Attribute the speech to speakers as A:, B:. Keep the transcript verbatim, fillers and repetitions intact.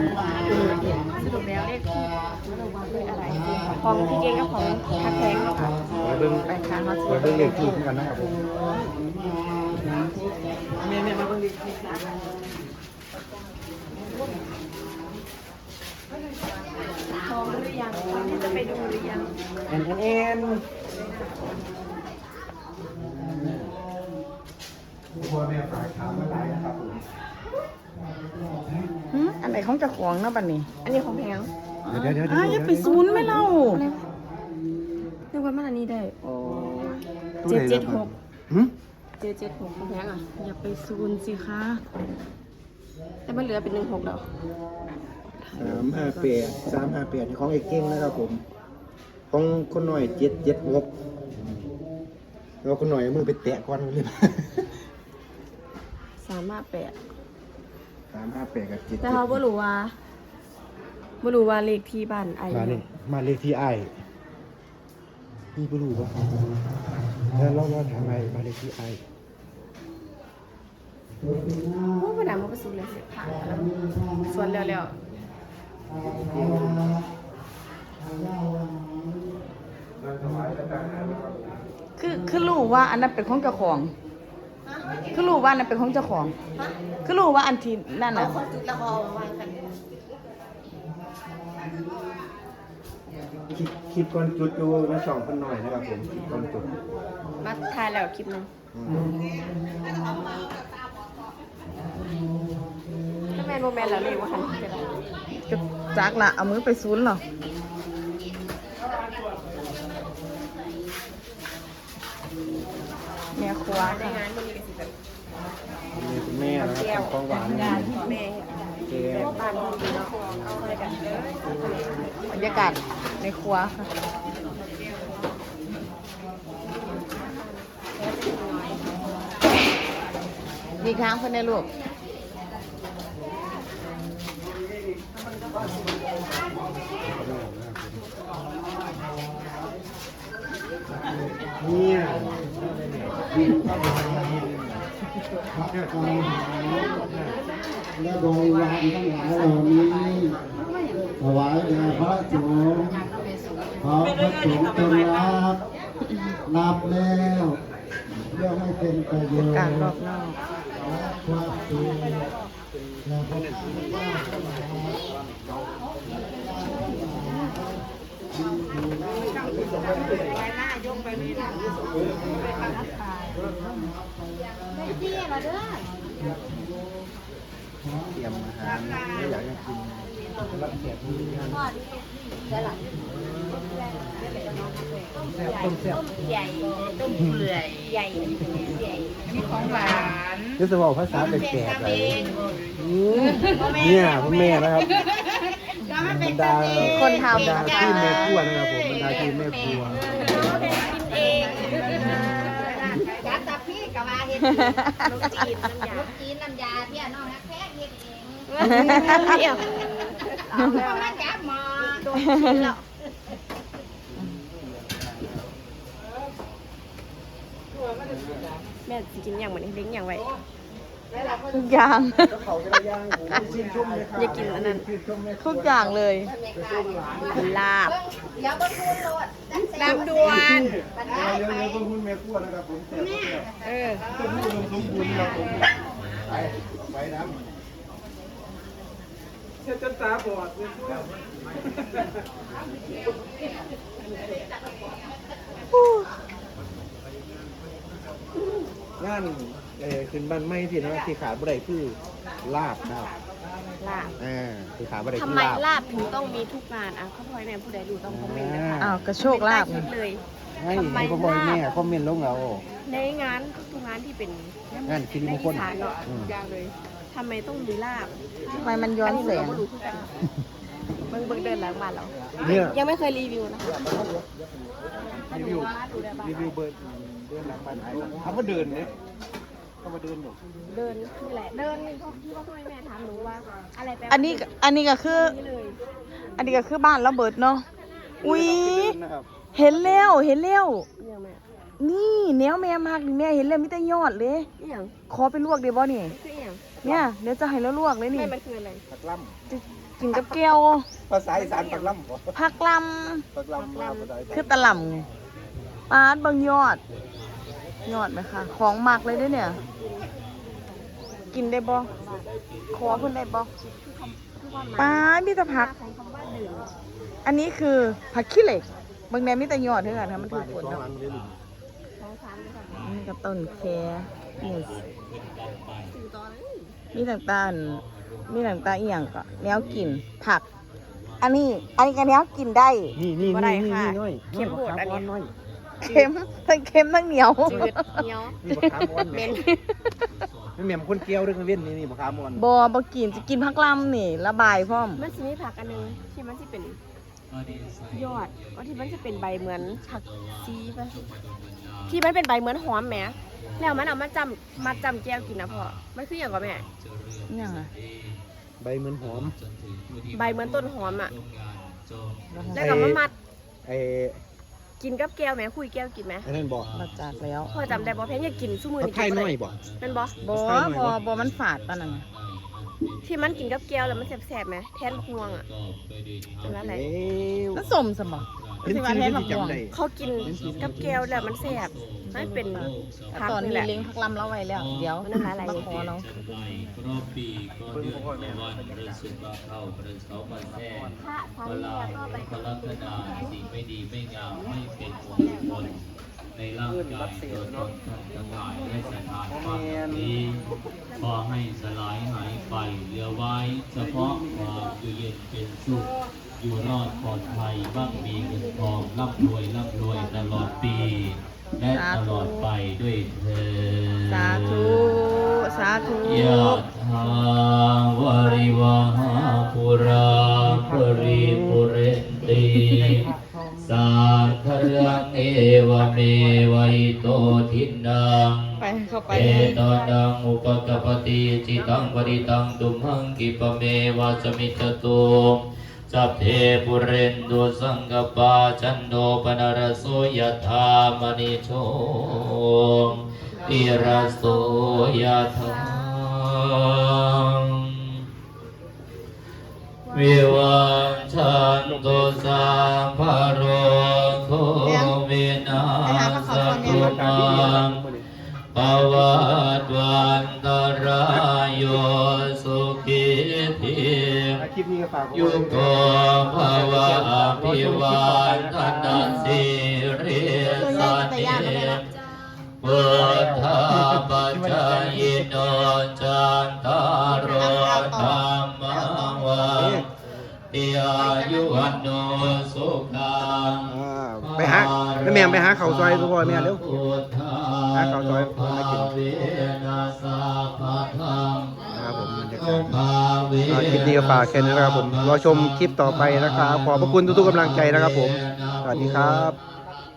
A: สรุปแล้วเลขที่คืออะไรของพี่เก่งกับของทักแพงเนาะค่ะ
B: เบิ่ง
A: ไปค่ะเขา
B: เบิ่งเลขที่กันนะครับผมแม่แม่มาเบิ่งเลขที่
A: พร้อมหรือยังพร้อมที่จะไปดูหรือยัง
B: เอ็นเอ็นเอ็นพ่อแม่ฝากถามมาหลายนะครับผม
C: อันไหนของเจ้าของเนาะบัดนี้
A: อันนี้ของแพง
B: เดี๋ยวเดี๋ยว
C: อ่ะอย่าไปศูนย์ไหม่เล่า
A: อะไรนึกว่ามันอันนี้ได้โอ้เจ็ดเจ็ดหก
B: หืม
A: เจ็ดเจ็ดหกของแพงอ่ะอย่าไปศูนย์สิคะแต่มันเหลือเป็นหนึ่งหกแล้ว
B: สามห้าแปดสามห้าแปดของไอ้เก่งนะครับผมของคนหน่อยเจ็ดเจ็ดหกเราคนหน่อยเอามือไปแตะก่อนเลย
A: สามห้าแปด
B: สามห้าแปดกับเจ็ด
A: แต่เขาบ่รู้ว่าบ่รู้ว่าเลขที่บ้านไอ้
B: มาเนี่ยมาเลขที่ไอ้นี่ไม่รู้ป่ะแล้วเราเราถามไอ้มาเลขที่ไอ้
A: โอ้บ่ได้มาประสูเลยเสร็จผ่านแล้วส่วนแล้วๆ
C: คือคือรู้ว่าอันนั้นเป็นของเจ้าของ คือรู้ว่าอันนั้นเป็นของเจ้าของ คือรู้ว่าอันที่นั่นน่ะ
A: จุดละครวางกัน
B: คิดคิดก่อนจุดดูมาสองคนหน่อยนะครับผมคิดก่อนจุด
A: มาถ่ายแล้วคลิปนึงถ้าแมนโมแมนแล้วเรียกว่าหันเป็นไร
C: ก็จักละเอามือไปศูนย์เหรอแม่ครัว
A: ใน
C: ค่ะ
A: งานมันมีกระสิบแบบ
B: นี่คุณแม่นะครับของหวาน
A: งานแม่
B: แก้ว
A: บ้านดีเนาะเอาอะไรกันเลย
C: บรรยากาศในครัวค่ะดีครั้งเพื่อนในลูก
B: เนี่ย
D: และบริวารทั้งหลายเหล่านี้ถวายแด่พระสงฆ์ขอพระสงฆ์จงรับรับแล้วเพื่อให้เป็นประโยชน์
C: การรอบนอก
D: และความสุขและพระพุทธเจ้าทั้งหลาย
B: เตรียมอาหารไม่อยากจะกินรับแขกที่งานต้มแซ่บ
A: ใหญ่ต้มเปื่อยใหญ่ใหญ่นี่ของหวาน
B: รู้สึกว่าภาษาแปลกๆเลยเนี่ยพ่อแม่นะครับบรรดา
C: คนทำ
B: บรรดาที่แม่ครัวนะครับผมบรรดาที่แม่ครัว
A: กินเองยัดตาพี่กับมาเห็ดลูกจีนน้ำยาลูกจีนน้ำยาพี่น้องนักแพ้เห็ดเองเดี๋ยวเอามาจับหมอโดนกินแล้วแม่สิกินอย่างเหมือนเลี้ยงอย่างไว้
C: ทุกอย่าง
B: เขาจะได้ย่างหมูชิ้นชุ่มเลยครับ
A: อย่ากินอันนั้น
C: ทุกอย่างเลย
A: ลาบลำดวน
B: เดี๋ยวเดี๋ยวเพิ่งคุณแม่ครัวนะครับผมแม่
A: เออ
B: ต้มยำสมบูรณ์ครับผมไปไปน้ำเช็ดจนตาบอดเลยงานเออขึ้นบ้านไม่ที่นะที่ขาดบ่ได้คือลาบนะครับ
A: ลาบ
B: อ่าที่ขาดบ่ได้
A: ทำ
B: คือ
A: ไม
B: ลาบ
A: ลาบถึงต้องมีทุกงานอ่ะเขาพ่อยแม่ผู้ใดดูต้องคอมเมนต์นะคะ
C: อ้าวกระโชกลาบ
A: ไม่
C: ไง
A: ได้คิดเลย
B: ให้ให้พ่อพ่อแม่คอมเมนต์ลงเอา
A: ในงานทุกงานที่เป็น
B: งานคิด
A: ใน
B: มงค
A: อี
B: ล
A: สานเนาะ
B: อืม
A: อย่างเลยทำไมต้องมีลาบ
C: ทำไมมันย้อนแสง
A: ก็ดูคือกันเบิ่งเบิ่งเดินหลังบ้านเรา
B: เนี่ย
A: ยังไม่เคยรีวิวนะคะ
B: รีวิวรีวิวเบิร์ดเดินหลังบ้านไอ้เขามาเดินเนี่ยเขามาเดินอยู่
A: เดินนี่แหละเดินนี่ที่ว่าพ่อแม่ถามหนูว่าอะไรแปลว่า
C: อันนี้อันนี้ก็คือ
A: นี่เลย
C: อันนี้ก็คือบ้านระเบิดเนาะ อุ้ย
B: นะครับ
C: เห็นแล้วเห็นแล้ว
A: เนี่ยแม่
C: นี่แนวแม่มากนี่แม่เห็นแล้วมีแต่ยอดเลย
A: นี่อย่าง
C: ขอไปลวกเดี๋ยวบ่นี่
A: คืออย่าง
C: เนี่ยเดี๋ยวจะให้แล้วลวกเลยนี่
A: ไม่มันคืออะไร
B: ปักล่
C: จะกินกับแก้ว
B: ำภาษาอีสานปักล่ำบ่
C: ผักล
B: ปักล่ำมาภาษาอี
C: ำ
B: สาน
C: คือตะหล่ำปาดเบางยอด ยอดไหมคะของหมักเลยเด้อเนี่ย กินได้บ่ขอเพิ่นได้บ่
A: คือความหมาย
C: ปาดมีแต่ผัก
A: ของคำว่าดื่ม
C: อันนี้คือผักขี้เหล็กบางแนมีแต่ยอดเท่านั้นค่ะมันถู
B: บ้าน
C: ก
B: ที่
C: ฝน
B: สอง
C: เนาะ
B: หลังเลยลูก
A: สองสามเลยค่ะ
C: นี่กับต้นแคนี่
A: สื่อตอนนี้
C: มีต่างๆมีต่างๆอีหยังก็แนวกินผัก อันนี้ อันนี้ก็แนวกินได้
B: นี่นี่
C: บ่
B: นี่
C: ได้
B: นี่
C: ค่ะ
B: น้อย
C: เค็มโหดอันเนี้ย
B: น้อย
C: เค็มทั้งเค็มทั้งเหนียว
A: จืดเหนียว
B: นี่บักขามอ่อน
A: เหม็น
B: นี่แม่มคนเกี้ยวเรื่องเว้นนี่นี่บักขามอ่อน
C: บอบกินจะกินผักลำนี่ระบายพร้อม
A: มันจะมีผักอันหนึงที่มันจะเป็นยอดก็ที่มันจะเป็นใบเหมือนผักซีป่ะที่มันเป็นใบเหมือนหอมแหมแล้วมันเอามาจำมาจำแก้วกินนะพ่อมันคืออย่างกับแม่
C: นี่ยังไง
B: ใบเหมือนหอม
A: ใบเหมือนต้นหอมอ่ะแล้วก็มามัด
B: ไอ้
A: กินกับแก้วแหมคุยแก้วกินไหม
B: ไอ้นั่นบ่
C: มาจากแล้ว
A: พ่อจำได้บ่เพนอยากกินสู้มือ
B: ผักไทยน้อยบ่
A: เป็นบ่
C: บอบอบอมันฝาดปะนั่นน่ะ
A: ที่มันกินกับแก้วแล้วมันแสบๆไหมแทนพวงอ่ะเป็นอะไร
B: เอ้ย
C: มันสมสมอง
B: เป็น
C: ที่ว่า
B: ชื่อ
C: แทนผัก
B: ที่
C: บวง
B: จำได้
A: เขากินกับแก้วแล้วมันแสบมันเป็นผัก
C: ตอน
A: นี่
C: นี้
A: แหละ
C: เลี้ยงผักลำเราไว้แล้ว เดี๋ยว
A: มันน้ำลายไหล
C: มาขอเรา
E: รอบปีก่อนเดือนวันประสุกาเข้าประเสามาแท้
A: พระพระ
E: เว
A: เรี
E: ลาย
A: กเข้าไป
E: พลักษณะสิ่งไม่ดีไม่งามไม่เป็นมงคลในร่างกายตัวตนท่านทั้งหลายได้สถานความนี้ขอให้สลายหายไปเหลือไว้ เฉพาะความอยู่เย็นเป็นสุขอยู่รอดปลอดภัยบ้างมีเงินทองร่ำรวยร่ำรวยตลอดปี และตลอดไปด้วยเธอญ
C: สาธุ สาธุ
E: ยะถาวาริวหาปุราปริปุเรนติสาคารังเอวเมวัยโตทินัง
C: ไปเข้าไป
E: เอตอนังอุปกปปติจิตังปริตังตุมหังกิปะเมวะสมิจจตุสัพเพปุเรนตุสังกปาจันโนปนรสโสยถามณิโชติรสโสยถาวิวัชชันตุสัพพะโรโควินาศตุมาปวัตวันตรายโยสุขิธิ
B: คลิปนี้ก็ฝากไว้
E: ยุโกภวะอภิวันทนาสิริสเนพุทธาปัจจายโนจันตารโอธรรมวันติอายุวันโนสุขัง
B: อ่าไปหาแม่แม่ไปหาข้าวซอยพ่อแม่เร็ว หาข้าวซอยมากิน ครับผมบรรยากาศอ่าคลิปนี้ก็ฝากแค่นี้นะครับผมรอชมคลิปต่อไปนะครับ ขอบพระคุณทุกๆกำลังใจนะครับผม สวัสดีครับ